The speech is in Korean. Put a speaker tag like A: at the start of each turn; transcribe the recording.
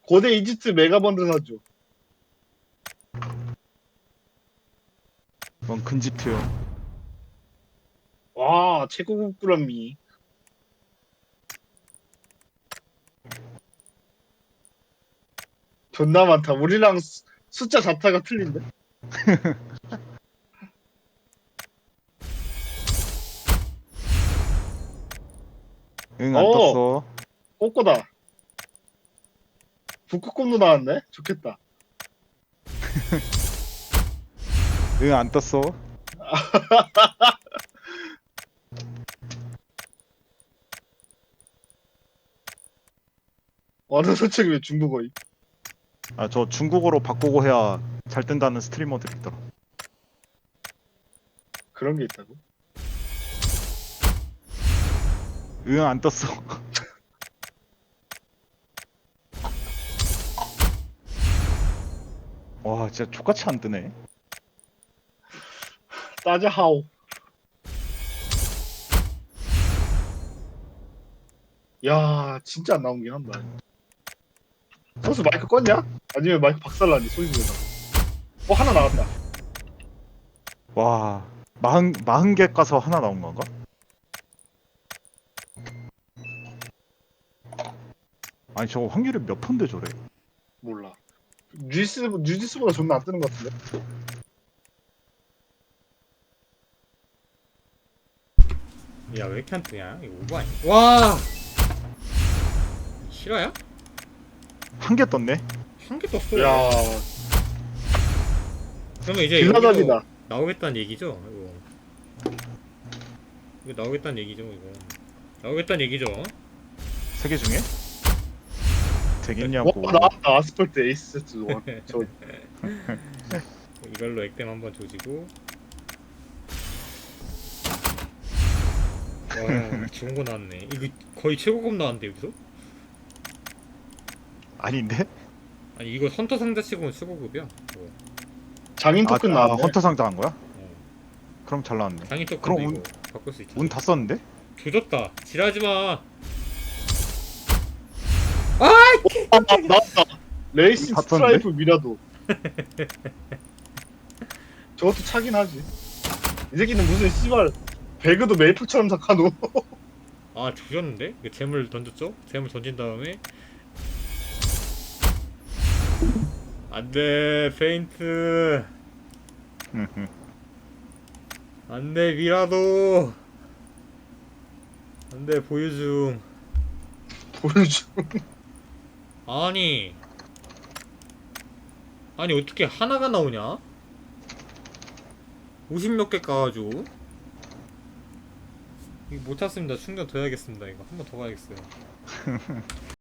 A: 고대 이집트 메가번드 사줘.
B: 넌 근집트요.
A: 와, 최고급 꾸러미. 존나 많다. 우리랑 숫자 자타가 틀린데?
B: 응, 안
A: 어,
B: 떴어.
A: 꼬꼬다. 북극곰도 나왔네? 좋겠다.
B: 응, 안 떴어.
A: 어느 솔직히 왜 중국어이?
B: 아, 저 중국어로 바꾸고 해야 잘 뜬다는 스트리머들이 있더라.
A: 그런 게 있다고?
B: 응, 안 떴어. 와, 진짜 족같이 안 뜨네.
A: 따자하오. 야, 진짜 안 나오긴 한다. 선수 마이크 껐냐? 아니면 마이크 박살나니 소리 지르다. 하나 나왔다.
B: 와, 40개 까서 하나 나온 건가? 아니, 저거 확률이 몇 푼데 저래?
A: 몰라. 뉴지스보다 존나 안 뜨는 것 같은데?
C: 야, 왜 이렇게 안 뜨냐? 이거 오버 아니야? 와! 실화야?
B: 한 개 떴네?
C: 한 개 떴어.
A: 야,
C: 그러면 이제
A: 빌라답이다.
C: 여기도 나오겠다는 얘기죠? 이거 나오겠다는 얘기죠, 이거. 나오겠다는 얘기죠?
B: 3개 중에? 되겠냐고.
A: 나왔다. 아스팔트 에이스 세트 원. 저
C: 이걸로 액땜 한번 조지고. 와, 좋은 거 나왔네. 이거 거의 최고급 나왔는데, 여기서?
B: 아닌데?
C: 아니, 이거 헌터 상자 치고는 최고급이야.
A: 장인 토큰 나왔네.
B: 헌터 상자 한 거야?
C: 어.
B: 그럼 잘 나왔네.
C: 장인
B: 그럼
C: 토큰도 이거 바꿀 수 있잖아.
B: 운 다 썼는데?
C: 조졌다. 지랄하지 마.
A: 나왔다. 레이싱
B: 다
A: 스트라이프 미라도. 저것도 차긴 하지. 이 새끼는 무슨 씨발 배그도 메이플처럼 작하노.
C: 아, 조졌는데? 이거 재물 던졌죠? 재물 던진 다음에 안돼 페인트 안돼 미라도 안돼 보여줌.
A: 보여줘.
C: 아니 어떻게 하나가 나오냐? 50몇 개 까가지고 이거 못 탔습니다. 충전 더 해야겠습니다. 이거 한 번 더 가야겠어요.